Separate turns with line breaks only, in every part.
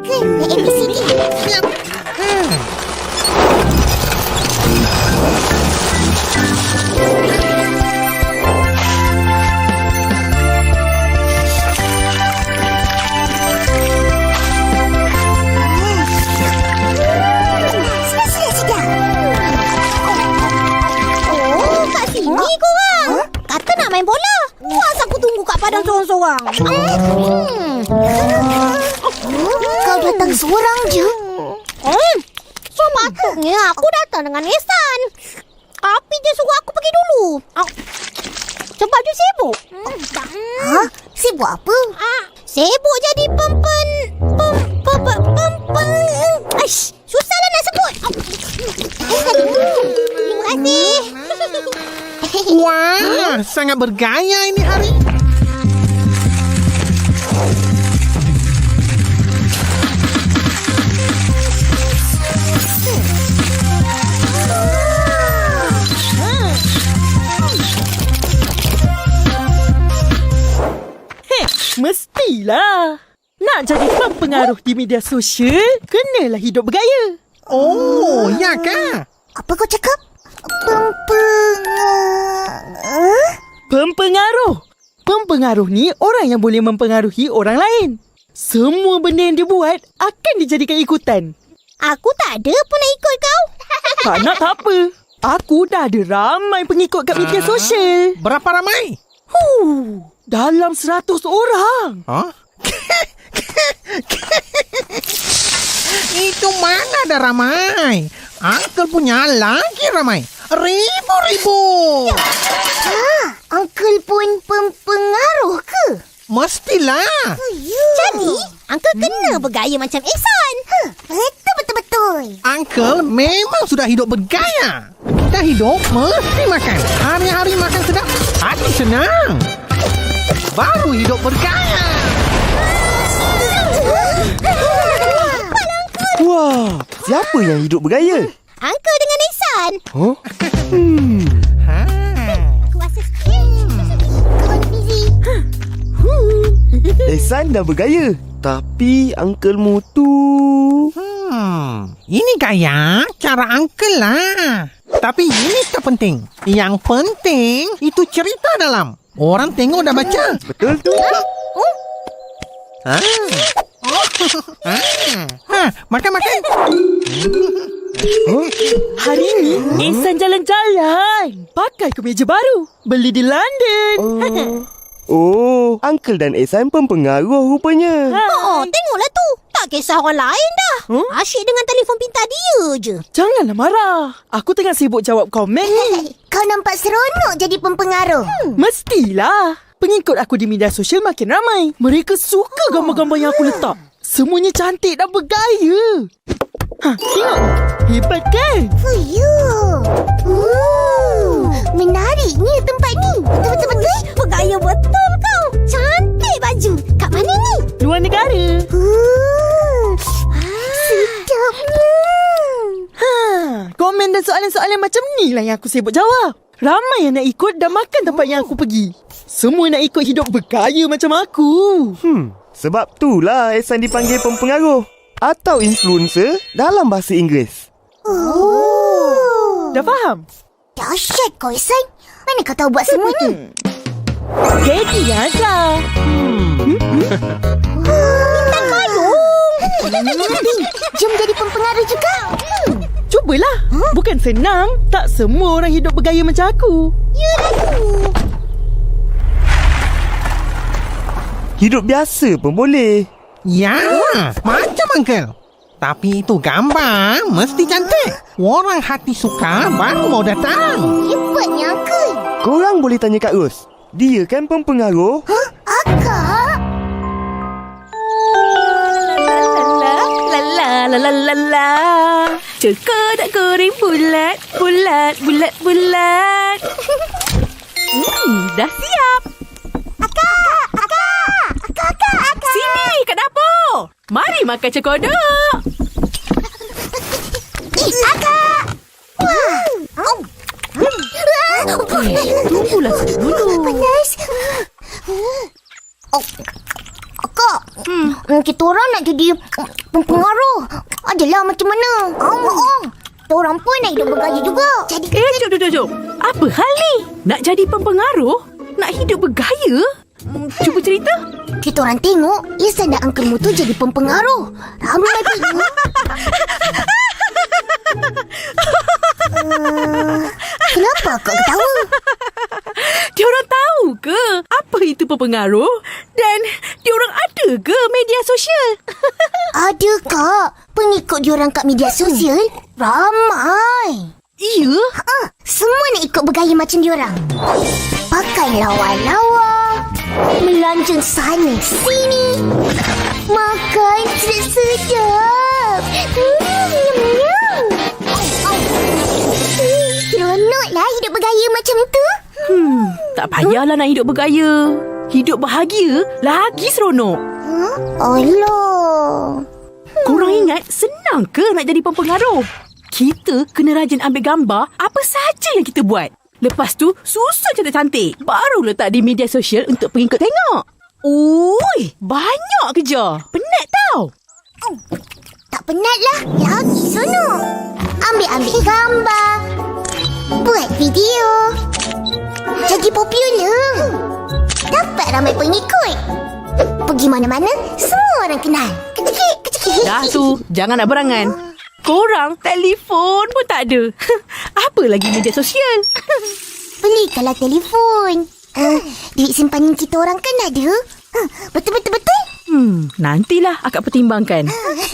Uncle. ABCD. Sedap. Oh, kat sini korang. Kata nak main bola. Puas aku tunggu kat padang sorang-sorang. Kau datang seorang je? Sepatutnya aku datang dengan Ihsan. Tapi dia suruh aku pergi dulu. Sebab dia sibuk. Sibuk apa? Sibuk jadi susahlah nak sebut. Terima kasih.
Wah, sangat bergaya ini hari.
Mestilah. Nak jadi pempengaruh di media sosial, kenalah hidup bergaya.
Oh, ya kah?
Apa kau cakap?
Pempengaruh. Pempengaruh ni orang yang boleh mempengaruhi orang lain. Semua benda yang dia buat akan dijadikan ikutan.
Aku tak ada pun nak ikut kau.
Tak nak tak apa. Aku dah ada ramai pengikut kat media sosial.
Berapa ramai?
Dalam 100 orang.
Huh? Itu mana ada ramai? Uncle punya lagi ramai. Ribu-ribu.
Uncle pun pempengaruh ke?
Mestilah.
Jadi, Uncle kena bergaya macam Ihsan. Betul-betul.
Uncle memang sudah hidup bergaya. Kita hidup mesti makan. Hari-hari makan sedap. Hati senang. Baru hidup bergaya.
Wah, siapa yang hidup bergaya?
Uncle dengan Ihsan.
Huh?
Aku rasa sikit. Kau busy.
Ihsan dah bergaya. Tapi uncle-mu tu...
Ini gaya cara uncle lah. Tapi ini tak penting. Yang penting itu cerita dalam. Orang tengok dah baca.
Betul tu.
Makan-makan.
Hari ni Ihsan jalan-jalan. Pakai kemeja baru. Beli di London.
Oh, uncle dan Ihsan pempengaruh rupanya.
Tengoklah tu. Tak kisah orang lain dah. Asyik dengan telefon pintar dia je.
Janganlah marah. Aku tengah sibuk jawab komen ni.
Kau nampak seronok jadi pempengaruh.
Mestilah. Pengikut aku di media sosial makin ramai. Mereka suka gambar-gambar yang aku letak. Semuanya cantik dan bergaya. Tengok. Hebat kan?
Menariknya tempat ni. Betul-betul. Bergaya betul kau. Cantik baju. Kat mana ni?
Luar negara.
Sedapnya.
Komen dan soalan-soalan macam ni lah yang aku sibuk jawab. Ramai yang nak ikut dan makan tempat yang aku pergi. Semua nak ikut hidup bergaya macam aku.
Sebab itulah Ihsan dipanggil pempengaruh atau influencer dalam bahasa Inggeris.
Dah faham?
Dahsyat kau, Ihsan. Mana kau tahu buat semua ni?
Jadi aja.
Bintang payung. Jom jadi pempengaruh juga.
Cubalah. Bukan senang. Tak semua orang hidup bergaya macam aku.
Hidup biasa pun boleh.
Ya, macam uncle. Tapi itu gambar mesti cantik. Orang hati suka baru mau datang.
Hebatnya, Uncle.
Korang boleh tanya Kak Ros. Dia kan pempengaruh.
Akak?
La. Cokor tak goreng bulat. Dah siap.
Akak.
Sini kat dapur. Mari makan cekodok.
Akak.
Tunggulah dulu.
Panas. Kak. Kita orang nak jadi pempengaruh. Adalah macam mana? Kita orang pun nak hidup bergaya juga. Jadi
Jom. Apa hal ni? Nak jadi pempengaruh? Nak hidup bergaya? Cuba cerita.
kita orang tengok Ihsan dan Uncle Mu tu jadi pempengaruh. Ramai pun. Kenapa kau ketawa?
Diorang tahu ke apa itu pempengaruh? Dan diorang ada ke media sosial?
Ada kak. Pengikut diorang kat media sosial ramai.
Ya?
Semua nak ikut bergaya macam diorang. Pakai lawa-lawa, melanjang sana sini, makan sedap-sedap. Seronoklah hidup bergaya macam tu.
Tak payahlah nak hidup bergaya. Hidup bahagia lagi seronok.
Allah.
Korang ingat senang ke nak jadi pempengaruh? Kita kena rajin ambil gambar apa saja yang kita buat. Lepas tu susun cantik-cantik. Baru letak di media sosial untuk pengikut tengok. Ui, banyak kerja. Penat tau.
Tak penat lah. Lagi seronok. Ambil gambar. Buat video. Jadi popular. Dapat ramai pengikut. Pergi mana-mana, semua orang kenal. Kecik-kecik.
Dah tu, jangan nak berangan. Korang telefon pun tak ada. Apa lagi media sosial?
Belikanlah telefon. Duit simpanan kita orang kan ada. Betul.
Nantilah akak pertimbangkan.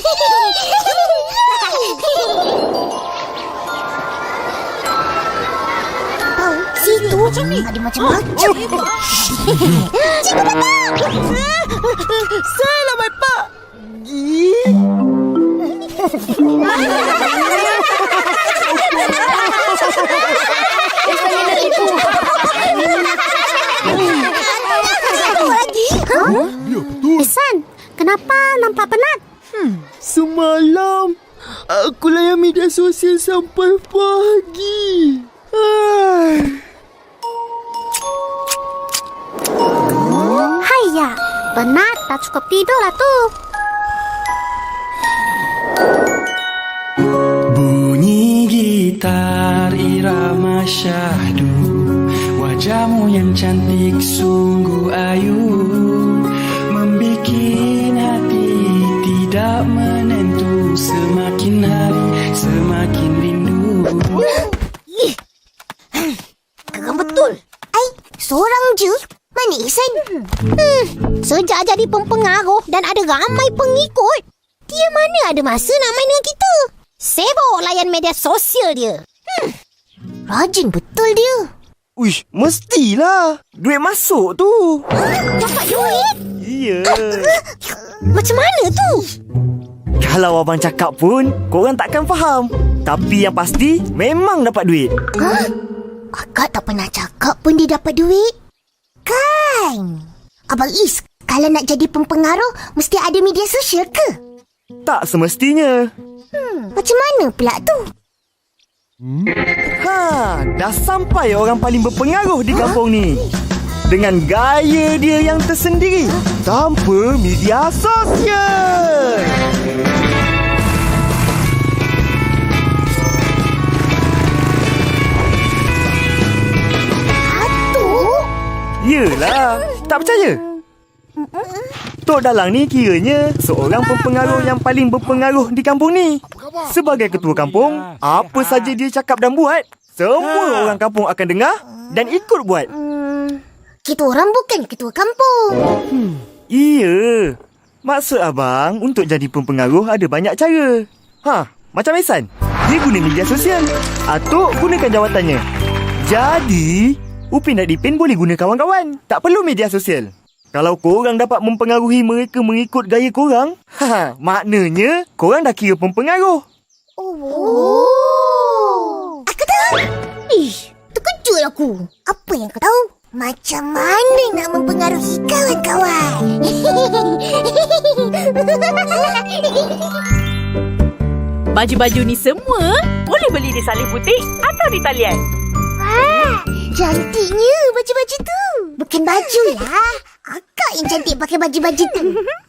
Situ ada macam-macam.
Selamat Pak.
Ihsan, kenapa nampak penat?
Semalam aku layan media sosial sampai pagi.
Haiya, penat tak cukup tidur lah tu.
Bunyi gitar irama syahdu, wajahmu yang cantik sungguh ayu, membikin hati tidak menentu, semakin hari semakin rindu.
Geram betul. Seorang je. Mana Ihsan? Sejak jadi pempengaruh dan ada ramai pengikut, dia mana ada masa nak main dengan kita? Sibuk layan media sosial dia. Rajin betul dia.
Uish, mestilah. Duit masuk tu.
Dapat duit?
Ya.
Macam mana tu?
Kalau abang cakap pun, korang takkan faham. Tapi yang pasti, memang dapat duit.
Akak tak pernah cakap pun dia dapat duit. Kan? Abang Is, kalau nak jadi pempengaruh, mesti ada media sosial ke?
Tak semestinya.
Macam mana pula tu?
Dah sampai orang paling berpengaruh di kampung ni. Dengan gaya dia yang tersendiri. Tanpa media sosial. Yelah, tak percaya? Tok Dalang ni kiranya seorang pempengaruh yang paling berpengaruh di kampung ni. Sebagai ketua kampung, apa saja dia cakap dan buat, semua orang kampung akan dengar dan ikut buat.
Kita orang bukan ketua kampung.
Iya. Maksud abang, untuk jadi pempengaruh ada banyak cara. Macam Ihsan, dia guna media sosial. Atuk gunakan jawatannya. Jadi Upin dan Ipin boleh guna kawan-kawan. Tak perlu media sosial. Kalau korang dapat mempengaruhi mereka mengikut gaya korang, maknanya korang dah kira pempengaruh.
Aku tahu. Terkejut aku. Apa yang kau tahu? Macam mana nak mempengaruhi kawan-kawan?
Baju-baju ni semua boleh beli di Salib Butik atau di talian.
Cantiknya baju-baju tu. Bukan baju lah. Akak yang cantik pakai baju-baju tu.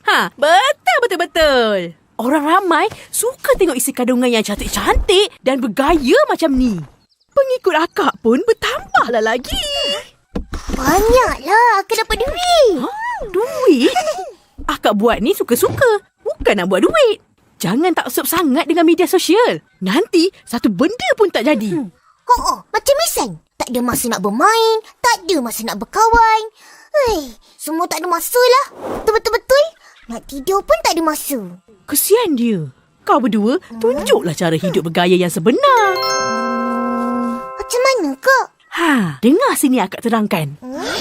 Betul. Orang ramai suka tengok isi kandungan yang cantik-cantik dan bergaya macam ni. Pengikut akak pun bertambahlah lagi.
Banyaklah akak dapat duit.
Duit? Akak buat ni suka-suka. Bukan nak buat duit. Jangan taksub sangat dengan media sosial. Nanti satu benda pun tak jadi.
Macam Isan. Tak ada masa nak bermain. Tak ada masa nak berkawan. Semua tak ada masa lah. Betul-betul. Nak tidur pun tak ada masa.
Kesian dia. Kau berdua tunjuklah cara hidup bergaya yang sebenar.
Macam mana kak?
Dengar sini akak terangkan.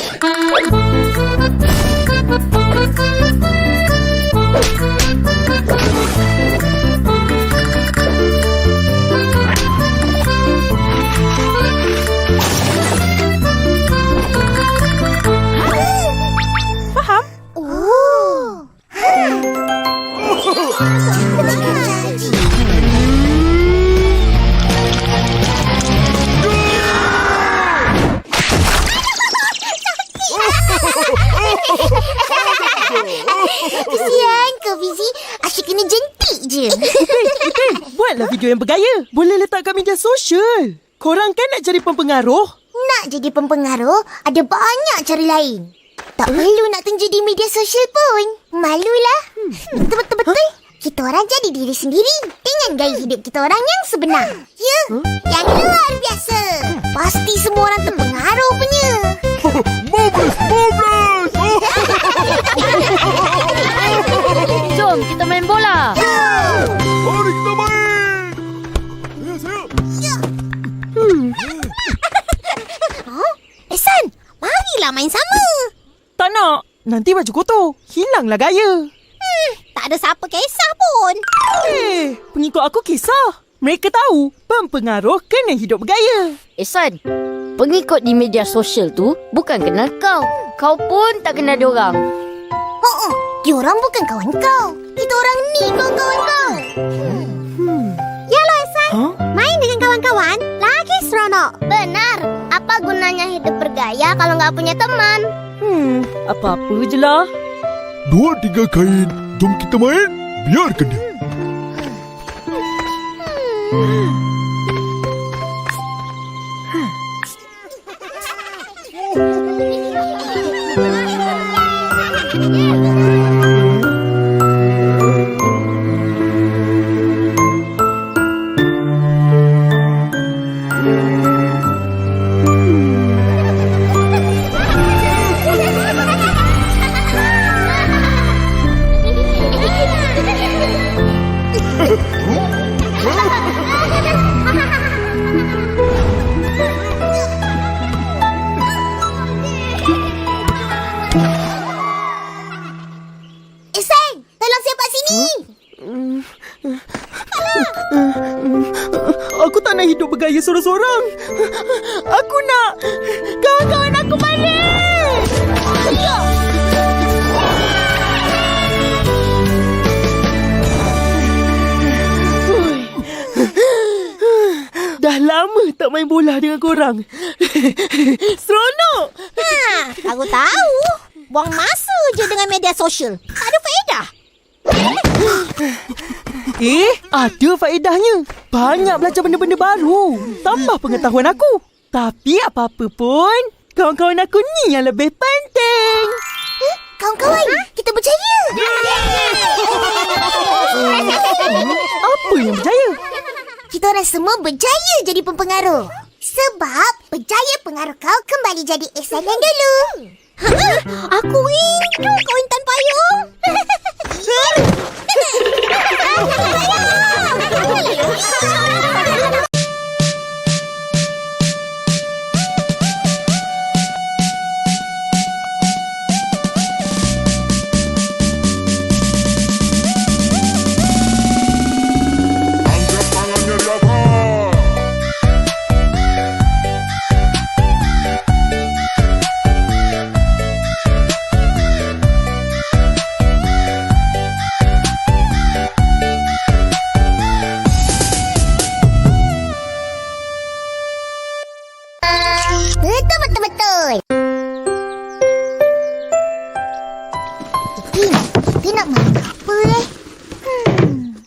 Faham?
Oh. Kesian kau Fizi. Asyik kena jentik je.
Buatlah video yang bergaya. Boleh letak kat media sosial. Korang kan nak jadi pempengaruh?
Nak jadi pempengaruh, ada banyak cara lain. Tak perlu nak tunjuk di media sosial pun. Malulah. Betul-betul. Kita orang jadi diri sendiri dengan gaya hidup kita orang yang sebenar. Ya, yang luar biasa. Pasti semua orang terpengaruh punya.
Jom kita main bola.
Mari kita main.
Ehsan, marilah main sama.
Tak nak. Nanti baju kotor. Hilanglah gaya.
Tak ada siapa kisah pun.
Pengikut aku kisah. Mereka tahu pempengaruh kena hidup bergaya.
Ehsan, pengikut di media sosial tu bukan kenal kau. Kau pun tak kenal diorang.
Diorang bukan kawan kau. Kita orang ni kawan-kawan kau. Yalah Ehsan. Main dengan kawan-kawan lagi seronok. Benar. Apa gunanya hidup bergaya kalau nggak punya teman?
Apa-apa je lah.
2-3 kain. Jom kita main. Biarkan dia.
Ehsan, tolong siapa sini.
Aku tak nak hidup bergaya sorang-sorang. Aku nak kawan-kawan aku balik. Dah lama tak main bola dengan korang. Seronok.
Aku tahu. Buang masa je dengan media sosial. Tak ada faedah.
Ada faedahnya. Banyak belajar benda-benda baru. Tambah pengetahuan aku. Tapi apa-apa pun, kawan-kawan aku ni yang lebih penting.
Kawan-kawan, kita berjaya.
Apa yang berjaya?
Kita orang semua berjaya jadi pempengaruh. Sebab berjaya pengaruh kau kembali jadi Ehsan yang dulu. Aku rindu kau Intan Payung.
Angkat tangannya di atas.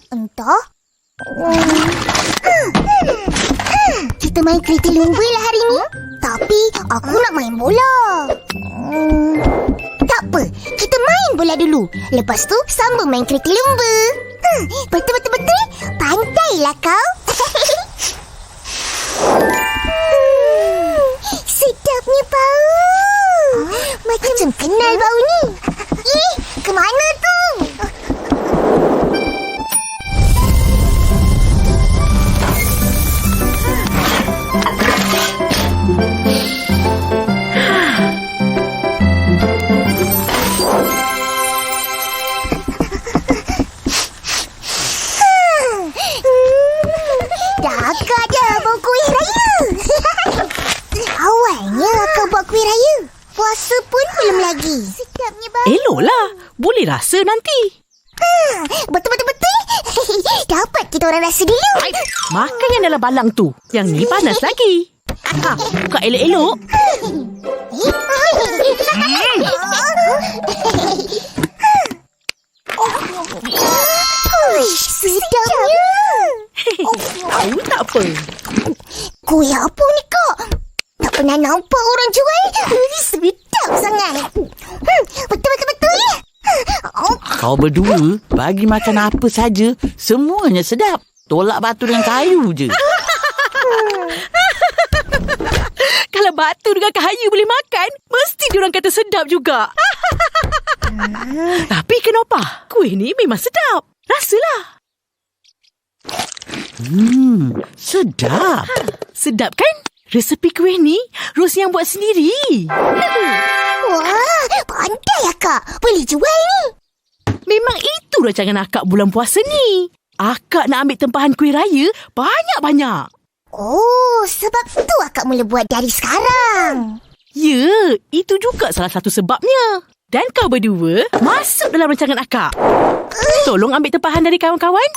Entah. Kita main kereta lumba lah hari ni. Tapi aku nak main bola. Tak apa, kita main bola dulu. Lepas tu sambung main kereta lumba. Betul. Pandailah kau. Sedapnya bau. Macam kenal bau ni. Kemana tu? Akak dah bawa kuih raya. Awalnya akak buat kuih raya. Puasa pun belum lagi. Sedapnya bau.
Eloklah. Boleh rasa nanti.
Betul. Dapat kita orang rasa dulu.
Makan yang dalam balang tu. Yang ni panas lagi. Buka elok-elok.
Sedapnya.
Tahu tak apa.
Kuih apa ni kak? Tak pernah nampak orang jual. Sedap sangat. Betul.
Kau berdua bagi makan apa saja, semuanya sedap. Tolak batu dengan kayu je.
Kalau batu dengan kayu boleh makan, mesti diorang kata sedap juga. Tapi kenapa? Kuih ni memang sedap. Rasalah.
Sedap.
Sedap kan? Resepi kuih ni Ros yang buat sendiri.
Wah, pandai akak. Boleh jual ni.
Memang itu rancangan akak bulan puasa ni. Akak nak ambil tempahan kuih raya banyak-banyak.
Oh, sebab tu akak mula buat dari sekarang.
Ya, itu juga salah satu sebabnya. Dan kau berdua masuk dalam rancangan akak. Tolong ambil tempahan dari kawan-kawan.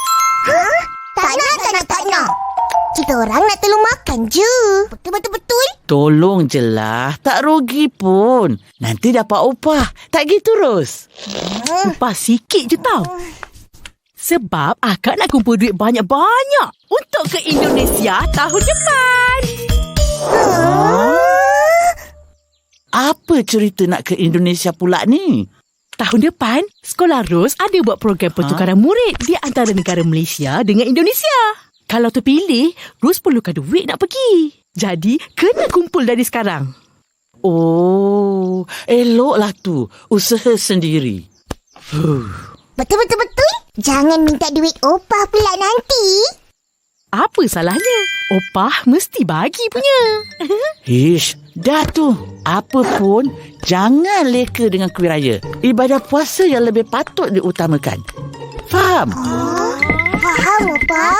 Tak nak. Kita orang nak tolong makan je. Betul.
Tolong je lah. Tak rugi pun. Nanti dapat upah. Tak gitu, Ros?
Upah sikit je tau. Sebab akak nak kumpul duit banyak-banyak untuk ke Indonesia tahun depan.
Apa cerita nak ke Indonesia pula ni?
Tahun depan, Sekolah Ros ada buat program pertukaran murid di antara negara Malaysia dengan Indonesia. Kalau terpilih, Ros perlukan duit nak pergi. Jadi, kena kumpul dari sekarang.
Oh, eloklah tu. Usaha sendiri.
Betul. Jangan minta duit opah pula nanti.
Apa salahnya? Opah mesti bagi punya.
Ish, dah tu. Apa pun, jangan leka dengan kuih raya. Ibadah puasa yang lebih patut diutamakan. Faham?
Faham, opah.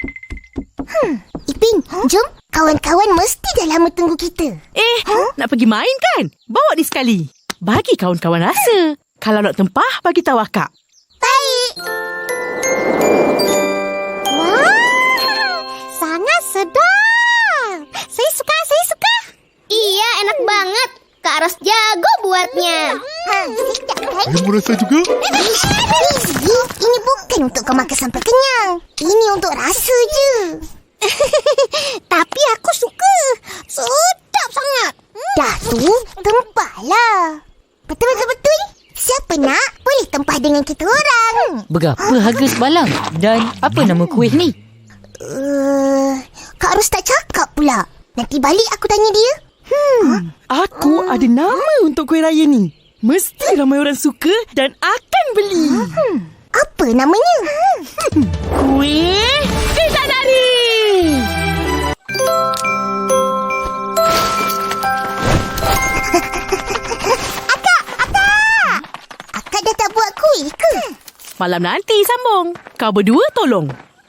Ipin, jom. Kawan-kawan mesti dah lama tunggu kita.
Nak pergi main kan? Bawa ni sekali. Bagi kawan-kawan rasa. Kalau nak tempah, bagi tahu akak.
Baik. Wah, sangat sedap. Saya suka.
Iya, enak banget. Kak Ros jago buatnya.
Sedap kan?
Kamu rasa juga?
Rizky, ini bukan untuk kau makan sampai kenyang. Ini untuk rasa je. Tapi aku suka. Sedap sangat. Dah tu, tempahlah. Betul. Siapa nak, boleh tempah dengan kita orang.
Berapa harga sebalang? Dan apa nama kuih ni?
Kak Ros tak cakap pula. Nanti balik aku tanya dia.
Aku ada nama untuk kuih raya ni. Mesti ramai orang suka dan akan beli.
Apa namanya?
Kuih Bidadari.
Akak dah tak buat kuih ke?
Malam nanti sambung. Kau berdua tolong.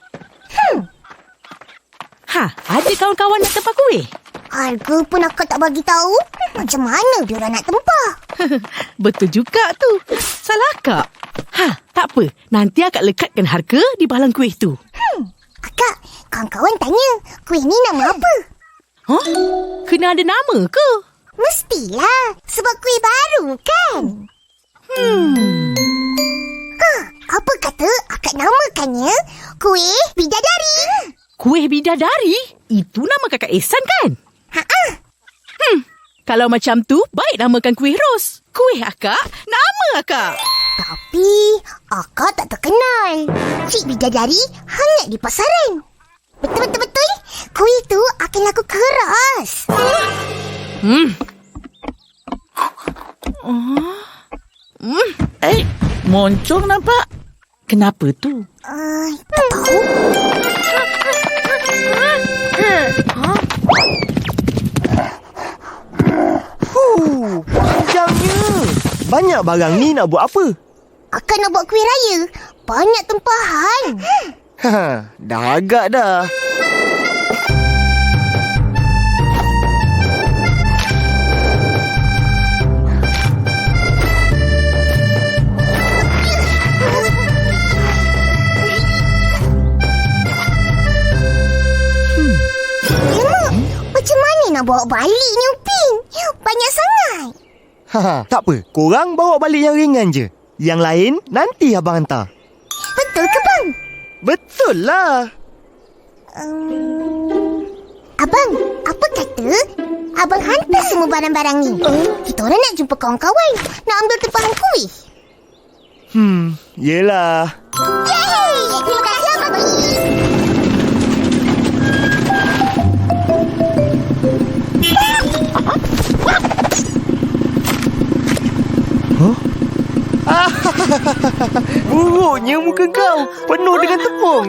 Ada kawan-kawan nak tempah kuih?
Harga pun akak tak bagi tahu. Macam mana diorang nak tempah?
Betul juga tu. Salah akak. Tak apa. Nanti akak lekatkan harga di balang kuih tu.
Akak, kawan-kawan tanya, kuih ni nama apa?
Kena ada nama ke?
Mestilah, sebab kuih baru kan? Apa kata akak namakannya kuih bidadari.
Kuih bidadari? Itu nama kakak Ehsan kan? Kalau macam tu, baik namakan kuih ros. Kuih akak, nama akak.
Tapi, akak tak terkenal. Cik bidadari hangat di pasaran. Betul-betul. Kuih tu akan laku keras.
Moncong nampak. Kenapa tu?
Tak tahu.
Panjangnya. Banyak barang ni nak buat apa?
Akak nak buat kuih raya. Banyak tempahan.
Dah agak dah.
Macam mana nak bawa balik ni, Upin? Banyak sangat.
Tak apa. Korang bawa balik yang ringan je. Yang lain nanti abang hantar.
Betul ke, bang?
Betul lah.
Abang, apa kata abang hantar semua barang-barang ni? Kita orang nak jumpa kawan-kawan. Nak ambil tempahan kuih.
Yelah.
Yeay! Terima kasih, Abang.
Buruknya muka kau. Penuh dengan tepung.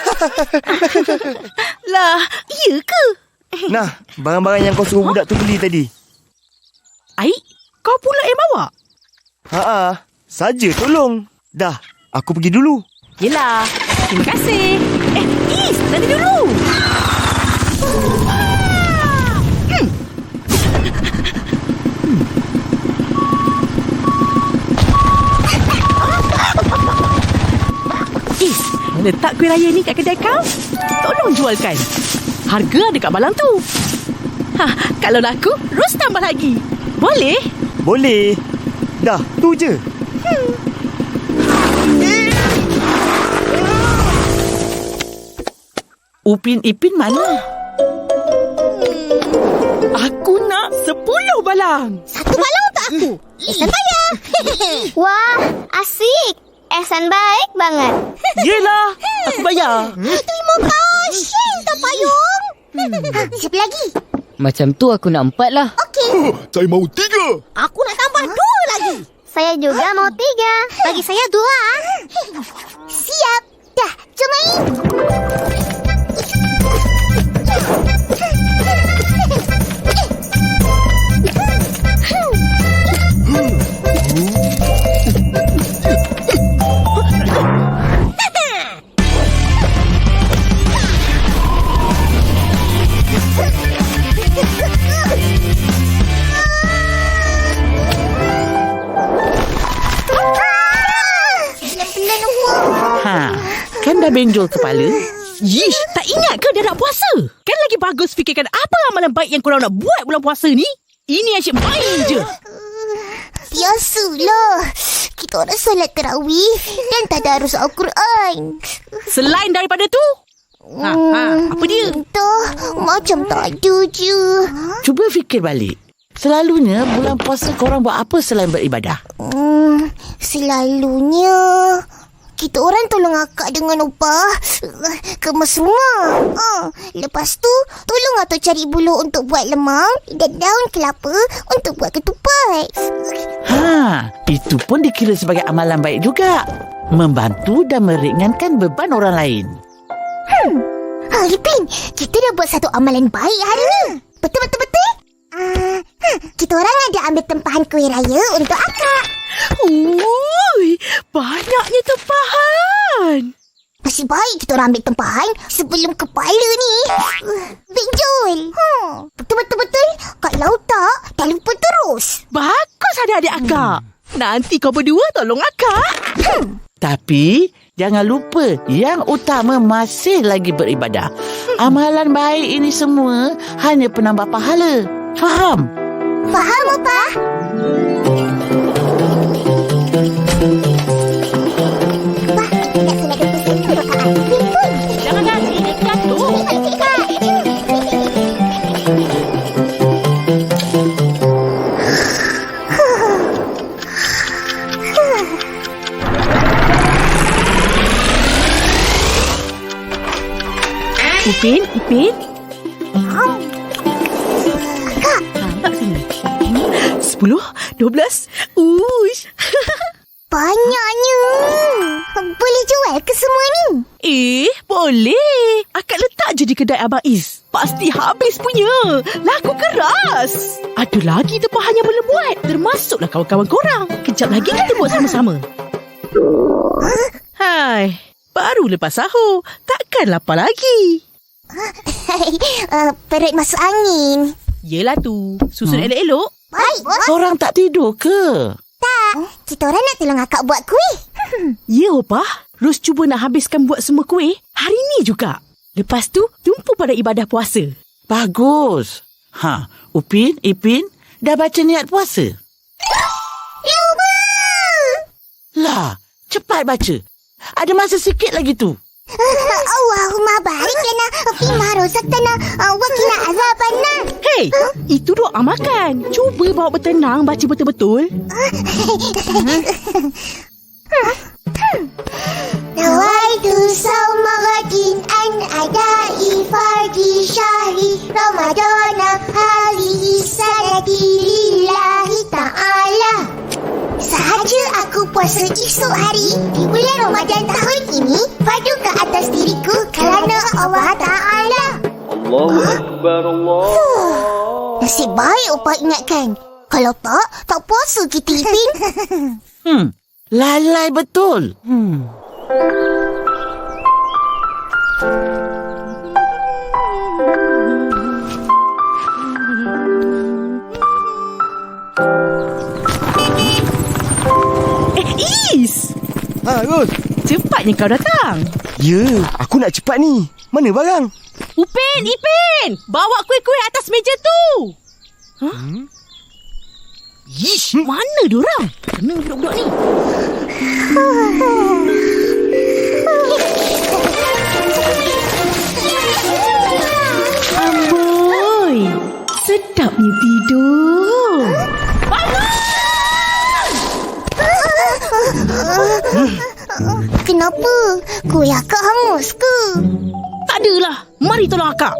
Lah, iya ke?
Nah, barang-barang yang kau suruh budak tu beli tadi.
Aik, kau pula yang bawa?
Saja tolong. Dah, aku pergi dulu.
Yelah, terima kasih. Is, nanti dulu. Is, letak kuih raya ni kat kedai kau. Tolong jualkan. Harga ada kat balang tu. Kalau laku, Ros tambah lagi. Boleh?
Boleh. Dah, tu je.
Upin Ipin mana?
Aku nak 10 balang.
Satu balang untuk aku. Ehsan bayar.
Wah, asik. Ehsan baik banget.
Yelah, aku bayar.
Terima kasih, tak payung. Siapa lagi?
Macam tu aku nak 4 lah.
Okey.
Saya mahu 3.
Aku nak tambah 2 lagi.
Saya juga mau 3.
Bagi saya 2. Siap. Dah, jom main.
Kan dah benjol kepala?
Yish, tak ingat ke dah nak puasa? Kan lagi bagus fikirkan apa amalan baik yang korang nak buat bulan puasa ni? Ini asyik main je.
Biasalah. Kita orang solat tarawih dan tadarus Al-Quran.
Selain daripada tu, apa dia?
Entah, macam tak ada je.
Cuba fikir balik. Selalunya bulan puasa korang buat apa selain beribadah?
Selalunya kita orang tolong akak dengan upah kemas rumah. Lepas tu tolong atau cari buluh untuk buat lemang dan daun kelapa untuk buat ketupat.
Itu pun dikira sebagai amalan baik juga. Membantu dan meringankan beban orang lain.
Ipin, kita dah buat satu amalan baik hari ni. Betul? Kita orang ada ambil tempahan kuih raya untuk akak.
Ui, banyaknya tempahan.
Masih baik kita orang ambil tempahan sebelum kepala ni benjol. Betul. Kalau tak, dah lupa terus.
Bagus adik-adik akak. Nanti kau berdua tolong akak.
Tapi jangan lupa yang utama masih lagi beribadah. Amalan baik ini semua hanya penambah pahala. Faham?
Faham, Opah? Opah, kita nak solat 21 rakaat. Betul.
Ipin. Tak sini. 10, 12. Uish.
Banyaknya. Boleh jual ke semua ni?
Boleh. Akak letak je di kedai Abang Is. Pasti habis punya. Laku keras. Ada lagi tempahan yang belum buat. Termasuklah kawan-kawan korang. Kejap lagi kita buat sama-sama. Hai. Baru lepas sahur. Takkan lapar lagi.
Perut masuk angin.
Yelah tu. Susun elok-elok.
Baik, bos.
Korang tak tidur ke?
Tak. Kita orang nak tolong akak buat kuih.
Ya, Opah. Ros cuba nak habiskan buat semua kuih hari ni juga. Lepas tu, tumpu pada ibadah puasa.
Bagus. Upin, Ipin, dah baca niat puasa?
Lupa.
Lah, cepat baca. Ada masa sikit lagi tu.
Allahumma barik lana fima razaqtana wa qina azabannar.
Hei, itu doa makan. Cuba bawa bertenang baca betul-betul.
Nawaitu sawma ghadin an adai fardi syahri Ramadana halihi sanati lillahi ta'ala. Sahaja aku puasa esok hari di bulan Ramadan tahun ini, fardu ke atas diriku kerana Allah Ta'ala.
Allahu Akbar, Allah.
Nasib baik Opah ingatkan. Kalau tak puasa kita, Ipin.
Lalai betul.
Is!
Ros.
Cepatnya kau datang.
Ya, aku nak cepat ni. Mana barang?
Upin, Ipin! Bawa kuih-kuih atas meja tu! Ish, mana diorang? Kena budak-budak ni. Amboi, sedapnya tidur.
Kenapa? Kuih akak hangus ke?
Tak adalah. Mari tolong akak.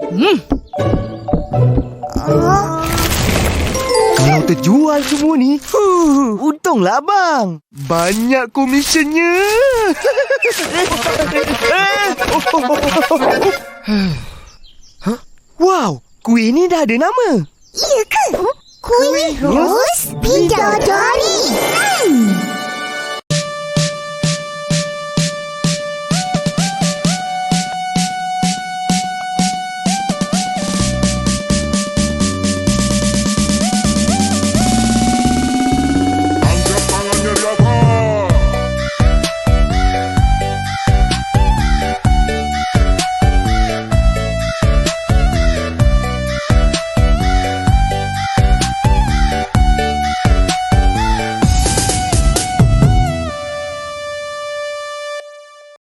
Kalau terjual semua ni, untunglah abang. Banyak komisionnya. Wow, kuih ni dah ada nama.
Iya ke? Kuih Ros Bidadari.